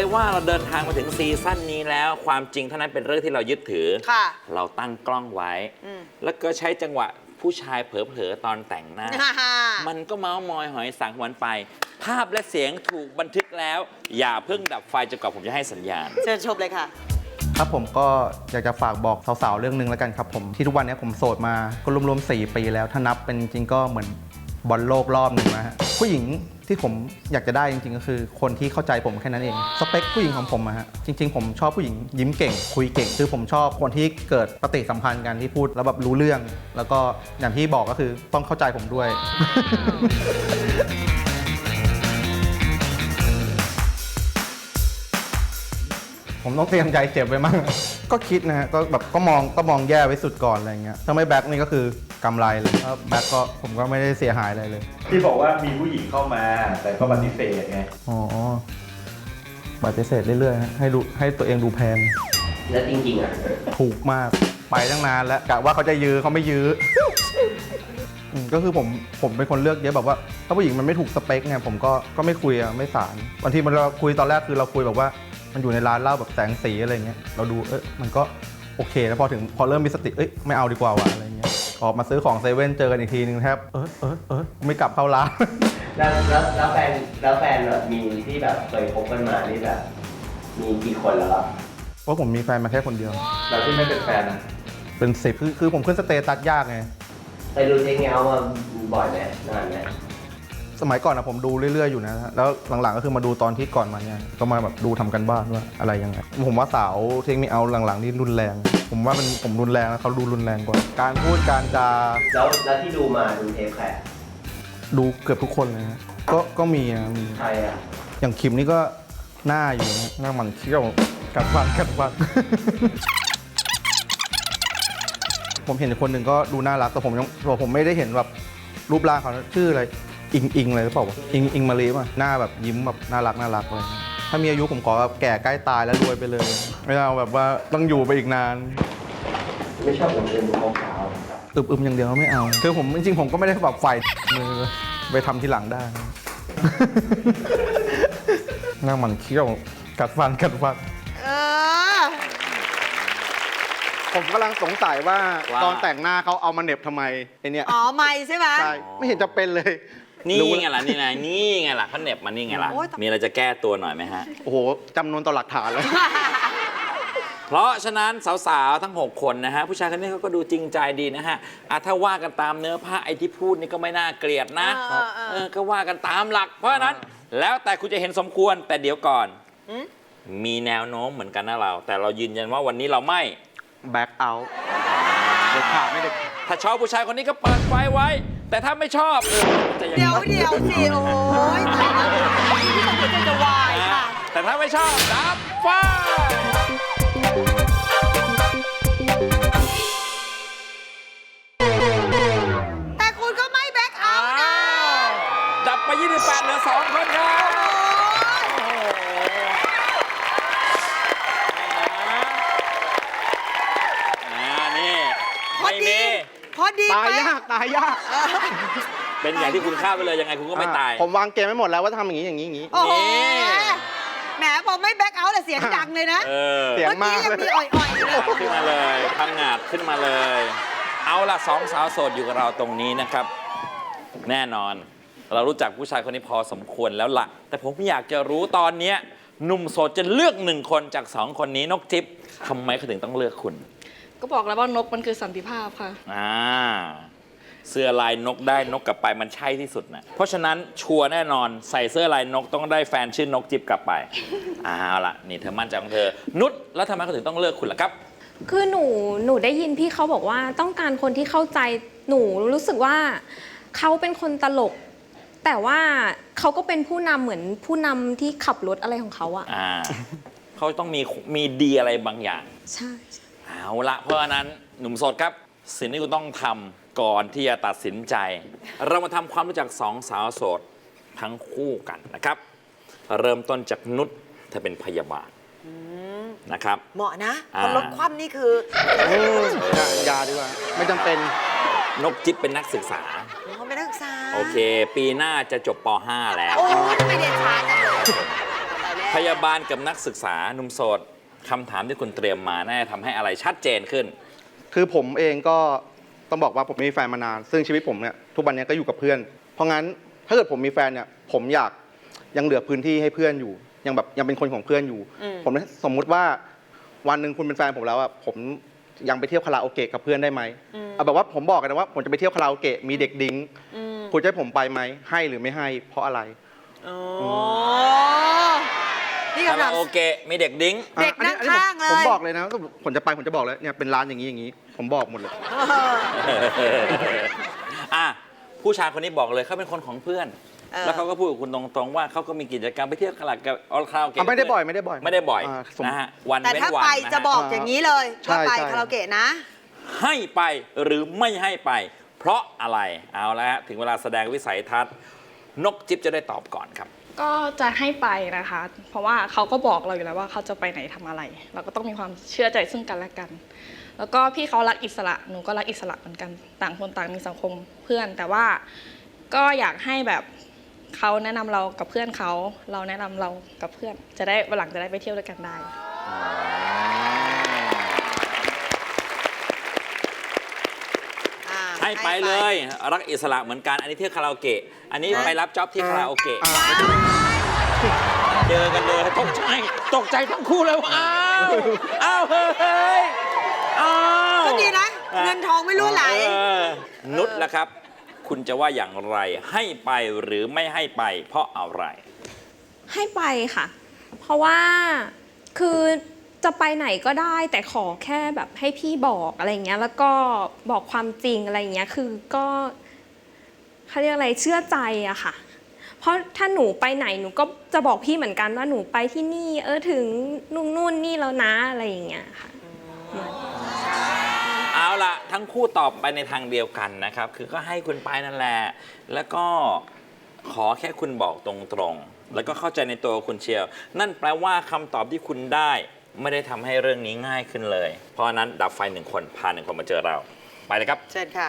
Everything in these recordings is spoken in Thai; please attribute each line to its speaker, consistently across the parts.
Speaker 1: เลยว่าเราเดินทางมาถึงซีซั่นนี้แล้วความจริงเท่านั้นเป็นเรื่องที่เรายึดถือเราตั้งกล้องไว้แล้วก็ใช้จังหวะผู้ชายเผลอๆตอนแต่งหน้า มันก็เมาส์มอยหอยสังหวนไปภาพและเสียงถูกบันทึกแล้วอย่าเพิ่งดับไฟจนกว่าผมจะให้สัญญาณ
Speaker 2: เชิญชมเลยค่ะ
Speaker 3: ครับผมก็อยากจะฝากบอกสาวๆเรื่องนึงแล้วกันครับผมที่ทุกวันนี้ผมโสดมาก็รวมๆ4 ปีแล้วถ้านับเป็นจริงก็เหมือนบอลโลกรอบหนึ่งนะฮะผู้หญิงที่ผมอยากจะได้จริงๆก็คือคนที่เข้าใจผมแค่นั้นเองสเปคผู้หญิงของผมอะฮะจริงๆผมชอบผู้หญิงยิ้มเก่งคุยเก่งคือผมชอบคนที่เกิดปฏิสัมพันธ์กันที่พูดแล้วแบบรู้เรื่องแล้วก็อย่างที่บอกก็คือต้องเข้าใจผมด้วย ผมต้องเตรียมใจเจ็บไว้มั่งก็คิดนะฮะก็แบบก็มองแย่ไว้สุดก่อนอะไรเงี้ยถ้าไม่แบ็คนี่ก็คือกำไรเลยถ้าแบ็คก็ผมก็ไม่ได้เสียหายอะไรเลย
Speaker 4: ที่บอกว่ามีผู้หญิงเข้ามาแต่ก็ปฏิเสธไง
Speaker 3: อ๋อปฏิเสธเรื่อยๆให้ตัวเองดูแพง
Speaker 5: แล้วจริงๆอ่ะ
Speaker 3: ถูกมากไปตั้งนานแล้วกะว่าเขาจะยื้อเขาไม่ยื้อก็คือผมเป็นคนเลือกเยอะแบบว่าถ้าผู้หญิงมันไม่ถูกสเปคเนี่ยผมก็ไม่คุยอะไม่สารบางทีเราคุยตอนแรกคือเราคุยแบบว่ามันอยู่ในร้านเหล้าแบบแสงสีอะไรเงี้ยเราดูมันก็โอเคแล้วพอเริ่มมีสติไม่เอาดีกว่าวะอะไรเงี้ยออกมาซื้อของเซเว่นเจอกันอีกทีนึงแทบไม่กลับเข้าร้าน
Speaker 5: แล้วแฟนแบบมีที่แบบเคยคบกันมานี่แบบมีกี่คนแล้วครับ
Speaker 3: เพราะผมมีแฟนมาแค่คนเดียว
Speaker 4: แล้วที่ไม่เป็นแฟนนะ
Speaker 3: เป็น10คือผมขึ้นสเตตัสยากไง
Speaker 5: ไปดูเทคเงามาบ่อยไหมนานไหม
Speaker 3: สมัยก่อนนะผมดูเรื่อยๆอยู่นะแล้วหลังๆก็คือมาดูตอนที่ก่อนมาเนี่ยก็มาแบบดูทำกันบ้านว่าอะไรยังไงผมว่าสาวเทคนิคเอาหลังๆนี่รุนแรงผมว่าผมรุนแรงแล้วเขาดูรุนแรงกว่าการพูดการจา
Speaker 5: แล้วที่ดูมาดูเทปใคร
Speaker 3: ดูเกือบทุกคนเลยนะก็มี
Speaker 5: ใครอ่ะ
Speaker 3: อย่างคิมนี่ก็หน้าอยู่นะหน้ามันเขี้ยวกัดฟัน ผมเห็นคนหนึ่งก็ดูน่ารักแต่ผมไม่ได้เห็นแบบรูปร่างเขาชื่ออะไรอิงอะไรหรือเปล่าวะอิงมาลีป่ะหน้าแบบยิ้มแบบน่ารักเลยถ้ามีอายุผมขอแบบแก่ใกล้ตายแล้วรวยไปเลยไม่เอาแบบว่าต้องอยู่ไปอีกนาน
Speaker 5: ไม่ชอบผมเป็นขาว
Speaker 3: อึมอย่างเดียวไม่เอาคือผมจริงๆผมก็ไม่ได้แบบไฟมือไปทำทีหลังได้หน้ามันเขี้ยวกัดฟันผมกำลังสงสัยว่าตอนแต่งหน้าเขาเอามาเหน็บทำไมไอเนี่ย
Speaker 2: อ๋อไม่ใช่ไหม
Speaker 3: ใช่ไม่เห็นจะเป็นเลย
Speaker 1: นี่ไงล่ะนี่ไงล่ะเขาเหน็บมานี่ไงล่ะมีอะไรจะแก้ตัวหน่อยไหมฮะ
Speaker 3: โอ้โหจำนวนต่อหลักฐานเลย
Speaker 1: เพราะฉะนั้นสาวๆทั้ง6คนนะฮะผู้ชายคนนี้เขาก็ดูจริงใจดีนะฮะถ้าว่ากันตามเนื้อผ้าไอ้ที่พูดนี่ก็ไม่น่าเกลียดนะก็ว่ากันตามหลักเพราะฉะนั้นแล้วแต่คุณจะเห็นสมควรแต่เดี๋ยวก่อนมีแนวโน้มเหมือนกันนะเราแต่เรายืนยันว่าวันนี้เราไม่
Speaker 3: แบ็คเอาท์เด็ดขาดไม่เด็ด
Speaker 1: ถ้าชอบผู้ชายคนนี้ก็เปิดไฟไว้แต่ถ้าไม่ชอบ
Speaker 2: เดี๋ยวสิโอ้ยตายแล้วที่ต้องจะวายค่ะ
Speaker 1: แต่ถ้าไม่ชอบดับไฟ
Speaker 2: แต่คุณก็ไม่แบ็คเอาท์นะ
Speaker 1: ดับไป28เหลือ2คนครับ
Speaker 2: พอดี
Speaker 3: ตายยาก
Speaker 1: เป็นอย่างที่คุณคาดไปเลยยังไงคุณก็ไม่ตาย
Speaker 3: ผมวางเกมไม่หมดแล้วว่าทำอย่างนี้
Speaker 2: โอ้โหแหมพอไม่แบ็คเอาท์แต่เสียงดังเลยนะ
Speaker 3: เสียงมาก
Speaker 2: เลยอ่อยๆ
Speaker 1: ขึ้นมาเลยพังงาดขึ้นมาเลยเอาล่ะ2 สาวโสดอยู่กับเราตรงนี้นะครับแน่นอนเรารู้จักผู้ชายคนนี้พอสมควรแล้วล่ะแต่ผมอยากจะรู้ตอนนี้หนุ่มโสดจะเลือก1 คนจาก2 คนนี้นกจิ๊บทำไมเขาถึงต้องเลือกคุณ
Speaker 6: ก็บอกแล้วว่านกมันคือสันติภาพค่ะ
Speaker 1: เสื้อลายนกได้นกกลับไปมันใช่ที่สุดนะเพราะฉะนั้นชัวร์แน่นอนใส่เสื้อลายนกต้องได้แฟนชื่อนกจิ๊บกลับไปเอาล่ะนี่เธอมั่นใจของเธอนุชแล้วทำไมเขาถึงต้องเลือกคุณล่ะครับ
Speaker 6: คือหนูได้ยินพี่เขาบอกว่าต้องการคนที่เข้าใจหนูรู้สึกว่าเขาเป็นคนตลกแต่ว่าเขาก็เป็นผู้นำเหมือนผู้นำที่ขับรถอะไรของเขาอะ
Speaker 1: เขาต้องมีดีอะไรบางอย่าง
Speaker 6: ใช่
Speaker 1: เอาละเพราะฉะนั้นหนุ่มโสดครับสิ่งที่คุณต้องทำก่อนที่จะตัดสินใจเรามาทำความรู้จัก2 สาวโสดทั้งคู่กันนะครับเริ่มต้นจากนุชเธอเป็นพยาบาลนะครับ
Speaker 2: เหมาะนะคนรถคว่ำนี่คือ
Speaker 3: ยาดีกว่าไม่จำเป็น
Speaker 1: นกจิ๊บเป็นนักศึกษา
Speaker 2: เขาเป็นนักศึกษา
Speaker 1: โอเคปีหน้าจะจบป .5 แล้ว
Speaker 2: โอ้ไม่เด็ดขาดจังเลย
Speaker 1: พยาบาลกับนักศึกษาหนุ่มโสดคำถามที่คุณเตรียมมาน่าจะทำให้อะไรชัดเจนขึ้น
Speaker 3: คือผมเองก็ต้องบอกว่าผมไม่มีแฟนมานาน ซึ่งชีวิตผมเนี่ยทุกวันนี้ก็อยู่กับเพื่อน เพราะงั้นถ้าเกิดผมมีแฟนเนี่ยผมอยากยังเหลือพื้นที่ให้เพื่อนอยู่ยังเป็นคนของเพื่อนอยู่ ผมสมมุติว่าวันหนึ่งคุณเป็นแฟนผมแล้วอะผมยังไปเที่ยวคาราโอเกะกับเพื่อนได้ไหมเอาแบบว่าผมบอกกันนะว่าผมจะไปเที่ยวคาราโอเกะมีเด็กดิ้งคุณจะให้ผมไปไหมให้หรือไม่ให้เพราะอะไร
Speaker 2: โอ้นี่
Speaker 1: คา
Speaker 2: คำถา
Speaker 1: ราม โอเกะมีเด็กดิ้ง
Speaker 2: เด็กนั่งข้างเลย
Speaker 3: ผมบอกเลยนะผมจะไปผมจะบอกเลยเนี่ยเป็นร้านอย่างนี้ผมบอกหมดเลย
Speaker 1: อ่ะผู้ชายคนนี้บอกเลยเขาเป็นคนของเพื่อน แล้วเขาก็พูดกับคุณตรงๆว่าเขาก็มีกิจกรรมไปเที่ยวคาราโอเกะ
Speaker 3: ไม่ได้บ่อย
Speaker 1: ไม่ได้บ่อยนะฮะวัน
Speaker 2: แต่
Speaker 1: เว้น
Speaker 2: ถ้า
Speaker 1: วัน
Speaker 2: ไป
Speaker 1: นะ
Speaker 2: จะ
Speaker 1: ฮะ
Speaker 2: บอกอย่างนี้เลย
Speaker 3: ใช่
Speaker 2: ว่าไป
Speaker 3: ใช่
Speaker 2: คาราโอเกะนะ
Speaker 1: ให้ไปหรือไม่ให้ไป เพราะอะไรเอาละฮะถึงเวลาแสดงวิสัยทัศน์นกจิ๊บจะได้ตอบก่อนครับ
Speaker 7: ก็จะให้ไปนะคะ เพราะว่าเขาก็บอกเราอยู่แล้วว่าเขาจะไปไหนทำอะไร เราก็ต้องมีความเชื่อใจซึ่งกันและกัน แล้วก็พี่เขารักอิสระ หนูก็รักอิสระเหมือนกัน ต่างคนต่างมีสังคมเพื่อน แต่ว่าก็อยากให้แบบเขาแนะนำเรากับเพื่อนเขา เราแนะนำเรากับเพื่อน จะได้วันหลังจะได้ไปเที่ยวด้วยกันได้
Speaker 1: ให้ไปเลยรักอิสระเหมือนกันอันนี้เที่ยวคาราโอเกะอันนี้ไปรับจ็อบที่คาราโอเกะเจอกันเลยตกใจทั้งคู่เลยว่าอ้าวเฮ้ยอ้าว
Speaker 2: ก็ดีนะ เงินทองไม่รั่วไหล
Speaker 1: นุชล่ะครับ คุณจะว่าอย่างไรให้ไปหรือไม่ให้ไป เพราะอะไร
Speaker 6: ให้ไปค่ะ เพราะว่าคือจะไปไหนก็ได้แต่ขอแค่แบบให้พี่บอกอะไรเงี้ยแล้วก็บอกความจริงอะไรเงี้ยคือก็เขาเรียกอะไรเชื่อใจอะค่ะ เพราะถ้าหนูไปไหนหนูก็จะบอกพี่เหมือนกันว่าหนูไปที่นี่ถึงนู่นนี่แล้วนะอะไรอย่างเงี้ยค่ะ
Speaker 1: เอาล่ะทั้งคู่ตอบไปในทางเดียวกันนะครับคือก็ให้คุณไปนั่นแหละแล้วก็ขอแค่คุณบอกตรงๆแล้วก็เข้าใจในตัวคุณเชียวนั่นแปลว่าคำตอบที่คุณได้ไม่ได้ทำให้เรื่องนี้ง่ายขึ้นเลย เพราะฉะนั้นดับไฟ1 คนพา1 คนมาเจอเราไปเลยครับ
Speaker 2: เชิญค่ะ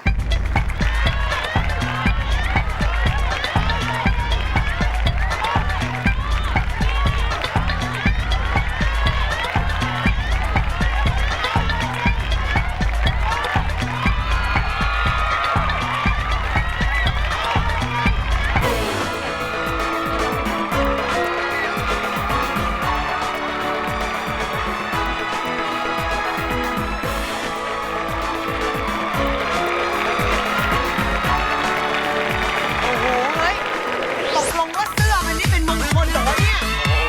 Speaker 2: โอ้โห เฮ้ย ตกลงว่าเสื้อมันนี่เป็นมงคลเหรอวะเนี่ย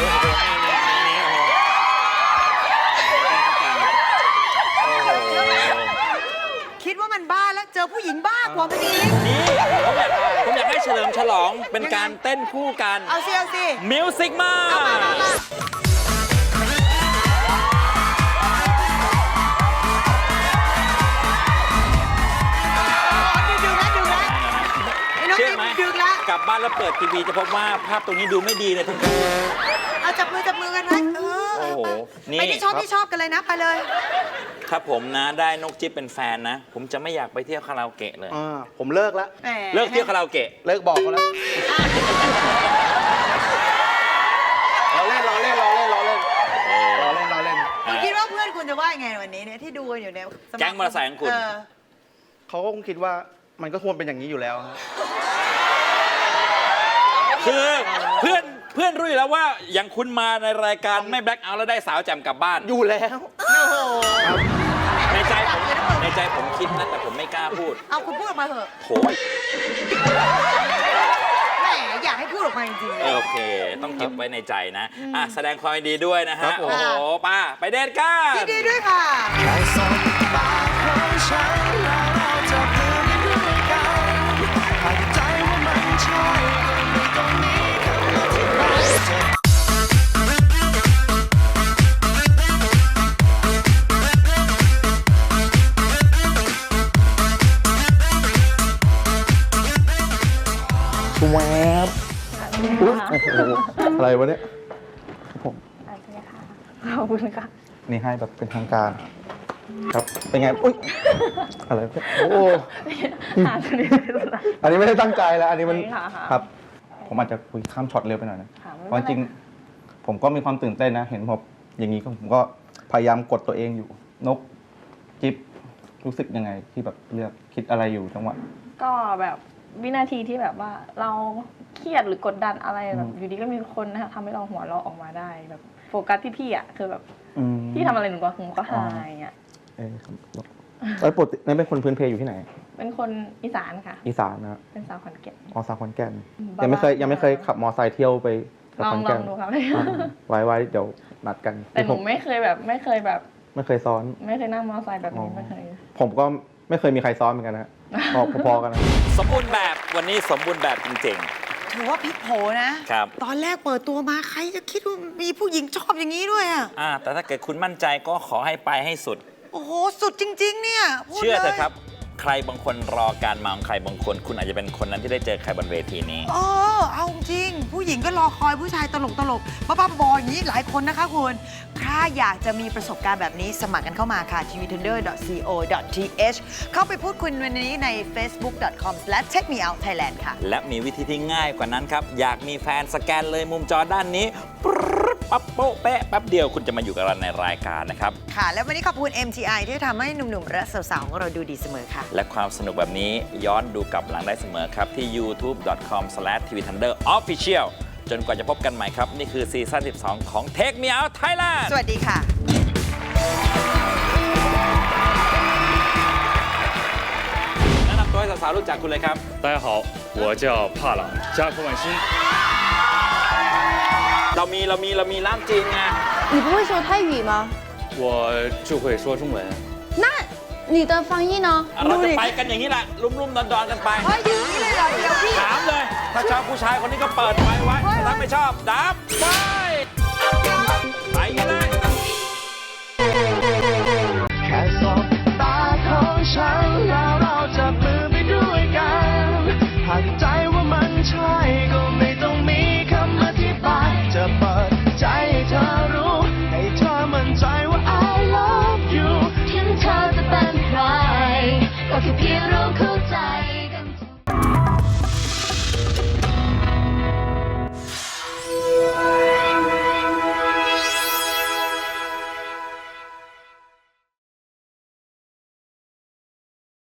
Speaker 2: คิดว่ามันบ้าแล้ว เจอผู้หญิงบ้ากว่ามันอีก
Speaker 1: นี่ผมอยากให้เฉลิมฉลองเป็นการเต้นคู่กัน
Speaker 2: เอาสิ เอาสิ
Speaker 1: มิวสิกมา
Speaker 2: เอามาดึงนะไอ้น้อง
Speaker 1: เชื่อ
Speaker 2: จิ๊บ
Speaker 1: ไหม
Speaker 2: ดึงละ
Speaker 1: กลับบ้านแล้วเปิดทีวีจะพบว่าภาพตรงนี้ดูไม่ดีเลยทั้งคู่
Speaker 2: เอาจับมือกันไว้
Speaker 1: โอ้โหนี่
Speaker 2: ไปที่ชอบกันเลยนะ ไปเลย
Speaker 1: ถ้าผมนะได้นกจิ๊บเป็นแฟนนะ ผมจะไม่อยากไปเที่ยวคาราโอเกะเลย
Speaker 3: ผมเลิกแล้ว
Speaker 2: แหม
Speaker 1: เลิกเที่ยวคาราโอเกะ
Speaker 3: เลิกบอกเขาแล้วเราเล่น
Speaker 2: คุณคิดว่าเพื่อนคุณจะว่ายังไงวันนี้เนี่ยที่ดูกันอยู่เนี่ยสา
Speaker 1: แก๊งมอเตอร์ไซค์ของคุณ
Speaker 3: เขาก็คงคิดว่ามันก็ควรเป็นอย่างนี้อยู่แล้วครับ
Speaker 1: คือเพื่อนรู้อยู่แล้วว่าอย่างคุณมาในรายการไม่แบล็คเอาท์แล้วได้สาวแจ่มกลับบ้าน
Speaker 3: อยู่แล้ว
Speaker 2: โอ้โห
Speaker 1: ในใจผมคิดนะแต่ผมไม่กล้าพูด
Speaker 2: เอาคุณพูดออกมาเถอะ
Speaker 1: โถ
Speaker 2: แหมอยากให้พูดออกมาจริงๆเลย
Speaker 1: โอเค ต้องเก็บไว้ในใจนะแสดงความยินดีด้วยนะ
Speaker 3: ครั
Speaker 1: ฮะ
Speaker 3: บผม
Speaker 1: โอ้โหป้าไปเดทกัน
Speaker 2: ยินดีด้วยค่ะ
Speaker 3: แวบอุ๊ยโอ้โหอะไรวะเนี่ยครับผม
Speaker 7: ขอบคุณค่ะ
Speaker 3: นี่ให้แบบเป็นทางการ ครับ เป็นไง อุ๊ย อะไรเนี่ยโอ้โหอันนี้ไม่ได้ตั้งใจแล้ว อันนี้มัน ครับ ผมอาจจะคุยข้ามช็อตเร็วไปหน่อยนะเพราะจริงผมก็มีความตื่นเต้นนะ เห็นผมอย่างนี้ก็ผมก็พยายามกดตัวเองอยู่นกจิ๊บรู้สึกยังไงที่แบบเลือกคิดอะไรอยู่จังหวะ
Speaker 7: ก็แบบวินาทีที่แบบว่าเราเครียดหรือกดดันอะไรแบบอยู่ดีก็มีคนนะคะทำให้เราหัวเราะออกมาได้แบบโฟกัสที่พี่อ่ะคือแบบพี่ทำอะไรหนูก็หายอ่ะ
Speaker 3: ปกตินั่นเป็นคนพื้นเพอยู่ที่ไหน
Speaker 7: เป็นคนอีสานค่ะ
Speaker 3: อีสานนะ
Speaker 7: เป็นสาวขอนแก่น
Speaker 3: อ๋อสาวขอนแก่น
Speaker 7: บ้าๆ
Speaker 3: ยังไม่เคยขับมอไซค์เที่ยวไปข
Speaker 7: ลอ
Speaker 3: อง น
Speaker 7: ล
Speaker 3: แก่
Speaker 7: อน งดูครับ
Speaker 3: ไว้เดี๋ยวนัดกัน
Speaker 7: แต่หนูไม่เคยแบบ
Speaker 3: ไม่เคยซ้อน
Speaker 7: ไม่เคยนั่งมอเตอร์ไซค์แบบนี้ไม่เคย
Speaker 3: ผมก็ไม่เคยมีใครซ้อนเหมือนกันนะพอๆกันนะ
Speaker 1: สมบูรณ์แบบวันนี้สมบูรณ์แบบจริง
Speaker 2: ถือว่าพลิกโผนะ
Speaker 1: ครับ
Speaker 2: ตอนแรกเปิดตัวมาใครจะคิดว่ามีผู้หญิงชอบอย่างนี้ด้วยอ่ะ
Speaker 1: ๆแต่ถ้าเกิดคุณมั่นใจก็ขอให้ไปให้สุด
Speaker 2: โอ้โห สุดจริง ๆ เนี่ยพูด
Speaker 1: เชื่อเถ
Speaker 2: ล
Speaker 1: อะ
Speaker 2: ย
Speaker 1: ครับ ใครบางคนรอการมาของใครบางคน คุณอาจจะเป็นคนนั้นที่ได้เจอใครบนเวทีนี้
Speaker 2: เอาจริง ผู้หญิงก็รอคอยผู้ชายตลกบ้าๆบอๆอย่างนี้หลายคนนะคะคุณถ้าอยากจะมีประสบการณ์แบบนี้สมัครกันเข้ามาค่ะ tvtender.co.th เข้าไปพูดคุยวันนี้ใน facebook.com/checkmeoutthailand ค่ะ
Speaker 1: และมีวิธีที่ง่ายกว่านั้นครับ อยากมีแฟนสแกนเลยมุมจอด้านนี้ปรึ๊ดปั๊บโป๊ะแปะแป๊บเดียวคุณจะมาอยู่กับเราในรายการนะครับ
Speaker 2: ค่ะ และวันนี้ขอบคุณ MTI ที่ทำให้หนุ่มๆและสาวๆของเราดูดีเสมอค่ะ
Speaker 1: และความสนุกแบบนี้ย้อนดูกลับหลังได้เสมอครับ ที่ youtube.com/tvthunderofficial จนกว่าจะพบกันใหม่ครับ นี่คือซีซั่น 12 ของ Take Me Out Thailand
Speaker 2: สวัสดีค่ะ
Speaker 1: แนะนำตัวให้สาวๆรู้จักคุณเลยครับ
Speaker 8: 大家好，我叫帕朗加科万新。
Speaker 1: เรามีล่ามจีนไง
Speaker 9: 你不会说泰语吗？
Speaker 8: 我就会说中文。
Speaker 9: 那你的翻译呢？
Speaker 1: เราจะไปกันอย่างนี้แหละลุ่มๆดอนๆกันไป
Speaker 2: เฮ้ยอย่างนี้เลยเหรอเดี๋ยวพี่
Speaker 1: ถามเลย ถ้าชอบผู้ชายคนนี้ก็เปิดไฟไว้ ถ้าไม่ชอบดับไฟไปกันเลย